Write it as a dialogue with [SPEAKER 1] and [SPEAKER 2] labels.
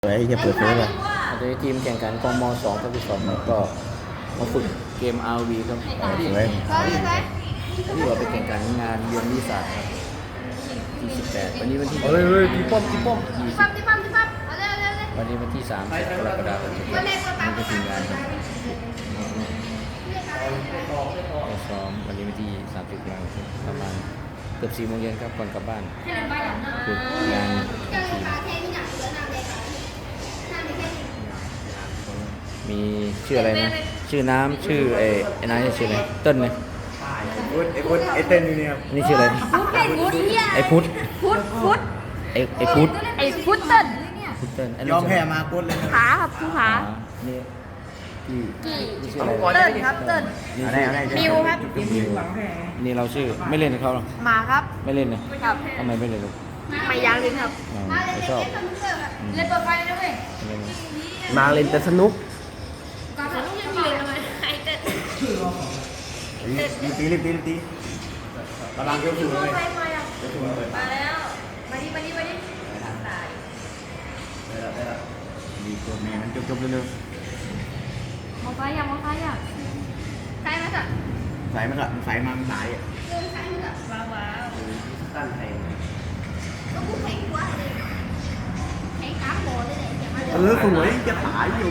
[SPEAKER 1] ไอ้จะเปิดเผยป่ะ
[SPEAKER 2] โดยทีมแข่งขันกม2ทับ2แล้วก็มาฝึกเกม RV ครับที่
[SPEAKER 1] สวย
[SPEAKER 2] ที่ว่าไปแข่งขันงานเยือนวิสาหครับที่18วันนี้วันที่
[SPEAKER 1] เฮ้ยพี่ป้อม
[SPEAKER 2] วันนี้วันที่30กรกฎาคมนี้ก็ทีมงานครับก็ซ้อมวันนี้วันที่30กรกฎาคมประมาณเกือบ4 โมงเย็นครับก่อนกลับบ้านคืองานทีมมีชื่ออะไรนะชื่อน้ำชื่อไอ้นายชื่ออะไรเต้นไหม
[SPEAKER 1] ไอ้เต้นอยู่เนี่ย
[SPEAKER 2] นี่ชื่ออะไรไอ้พุทธไอ้พุทธ
[SPEAKER 3] ไอ้ฟุตเติ้ล
[SPEAKER 2] พุทธเต้นไอ้
[SPEAKER 1] ยอมแพ้มากุดเลย
[SPEAKER 3] ขาครับผู้ขา
[SPEAKER 2] นี่พี่นี่ชื่ออะไร
[SPEAKER 3] เติ้ลครับเติ้ล
[SPEAKER 2] นี่
[SPEAKER 1] อะไร
[SPEAKER 3] มิวครับ
[SPEAKER 2] มิวนี่เราชื่อไม่เล่นกับเขาหรอ
[SPEAKER 3] มาครับ
[SPEAKER 2] ไม่เล่นเลย
[SPEAKER 3] ครับ
[SPEAKER 2] ทำไมไม่เล่นลูก
[SPEAKER 3] ไม่ยั้งลิ้นครับ
[SPEAKER 2] ไม่ชอบ
[SPEAKER 3] เล่นเปิดไฟเลยเว้ย
[SPEAKER 2] ไม่เล่น
[SPEAKER 1] มาเล่นแต่สนุก
[SPEAKER 3] ก่อนฉันต้องยืนเลยทำไมไอ้เติ้ล
[SPEAKER 1] รีบตีกำลังเกี่ยวถูกเลย
[SPEAKER 3] มาแล้วมาดิ
[SPEAKER 1] ดีกว่าแม่มันจบเร็ว
[SPEAKER 3] มองไฟอย่ามองไฟอย่าใช่ไหมจ๊ะ
[SPEAKER 1] ๆใส่มันละใส่มันสาย
[SPEAKER 3] ว้าว
[SPEAKER 1] ตั้นไทย
[SPEAKER 3] ก็พูดแข่งกว่าเลยแข่งกลางโบเลยเนี่ย
[SPEAKER 1] สวยจะขายอยู่